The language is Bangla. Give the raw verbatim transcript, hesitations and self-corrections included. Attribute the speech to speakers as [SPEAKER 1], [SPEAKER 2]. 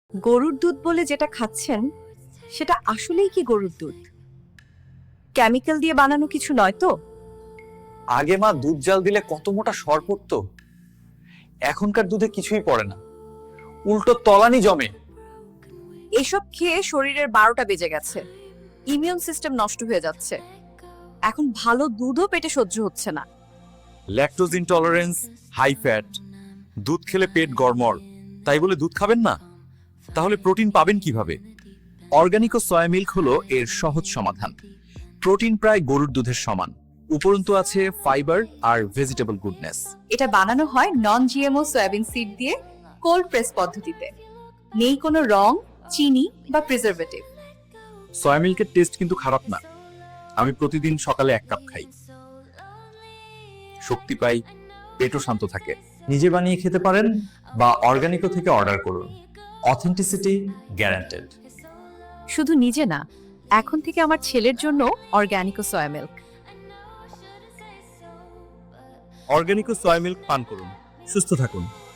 [SPEAKER 1] গরুর দুধ বলে যেটা খাচ্ছেন সেটা আসলেই কি গরুর দুধ? কেমিক্যাল দিয়ে বানানো কিছু নয় তো?
[SPEAKER 2] আগে মা দুধ জাল দিলে কত মোটা সর পড়তো, এখনকার দুধে কিছুই পড়ে না, উল্টো তলানি জমে।
[SPEAKER 1] এসব খেয়ে শরীরের বারোটা বেজে গেছে, ইমিউন সিস্টেম নষ্ট হয়ে যাচ্ছে, এখন ভালো দুধও পেটে সহ্য হচ্ছে না।
[SPEAKER 2] ল্যাকটোজ ইনটলারেন্স, হাই ফ্যাট, দুধ খেলে পেট গড়মড়, তাই বলে দুধ খাবেন না? তাহলে প্রোটিন পাবেন কিভাবে? অর্গানিক ও সয়া মিল্ক হলো এর সহজ সমাধান। প্রোটিন প্রায় গরুর দুধের সমান, উপরন্তু আছে ফাইবার আর ভেজিটেবল গুডনেস।
[SPEAKER 1] এটা বানানো হয় নন জিএমও সয়াবিন সিড দিয়ে কোল্ড প্রেস পদ্ধতিতে, নেই কোনো রং, চিনি বা প্রিজারভেটিভ।
[SPEAKER 2] সয়া মিল্কের টেস্ট কিন্তু খারাপ না, আমি প্রতিদিন সকালে এক কাপ খাই, শক্তি পাই, পেটও শান্ত থাকে। নিজে বানিয়ে খেতে পারেন বা অর্গানিকো থেকে অর্ডার করুন, অথেন্টিসিটি গ্যারান্টেড।
[SPEAKER 1] শুধু নিজে না, এখন থেকে আমার ছেলের জন্য অর্গানিক সয়া মিল্ক।
[SPEAKER 2] অর্গানিকো সয়া মিল্ক পান করুন, সুস্থ থাকুন।